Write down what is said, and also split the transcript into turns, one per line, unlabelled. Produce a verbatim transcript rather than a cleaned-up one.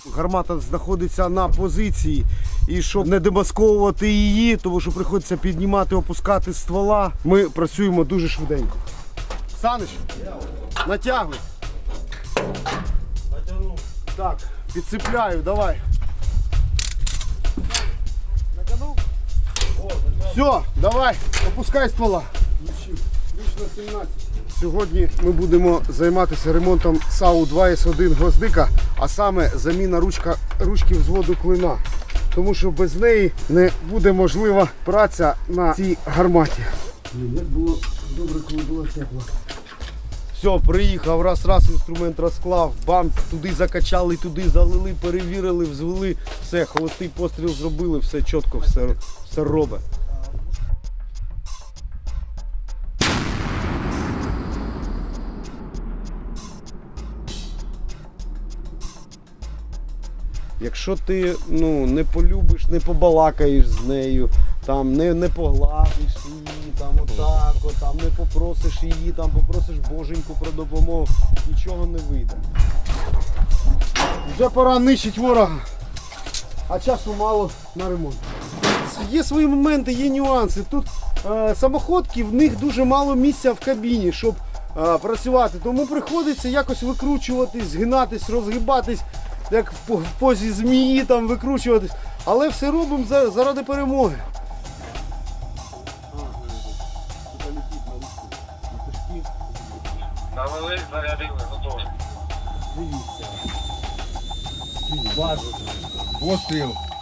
Гармата знаходиться на позиції, і щоб не демасковувати її, тому що приходиться піднімати, опускати ствола, ми працюємо дуже швиденько. Саныч, натягуй.
Натягнув.
Так, підцепляю, давай.
Натягнув?
Все, давай, опускай ствола. Ключ на сімнадцять. Сьогодні ми будемо займатися ремонтом САУ два ес один гвоздика, а саме заміна ручка, ручки взводу клина. Тому що без неї не буде можлива праця на цій гарматі. Як було добре, коли було тепло. Все, приїхав, раз-раз інструмент розклав, бам, туди закачали, туди залили, перевірили, взвели, все, холостий постріл зробили, все чітко, все, все робить. Якщо ти ну, не полюбиш, не побалакаєш з нею, там, не, не погладиш її, там, отак, от, там, не попросиш її, там, попросиш боженьку про допомогу, нічого не вийде. Вже пора нищити ворога, а часу мало на ремонт. Є свої моменти, є нюанси. Тут е, самоходки, в них дуже мало місця в кабіні, щоб е, працювати. Тому приходиться якось викручуватись, згинатись, розгибатись, як в позі змії там викручуватись. Але все робимо заради перемоги.
Навели, зарядили, готові.
Дивіться. Постріл.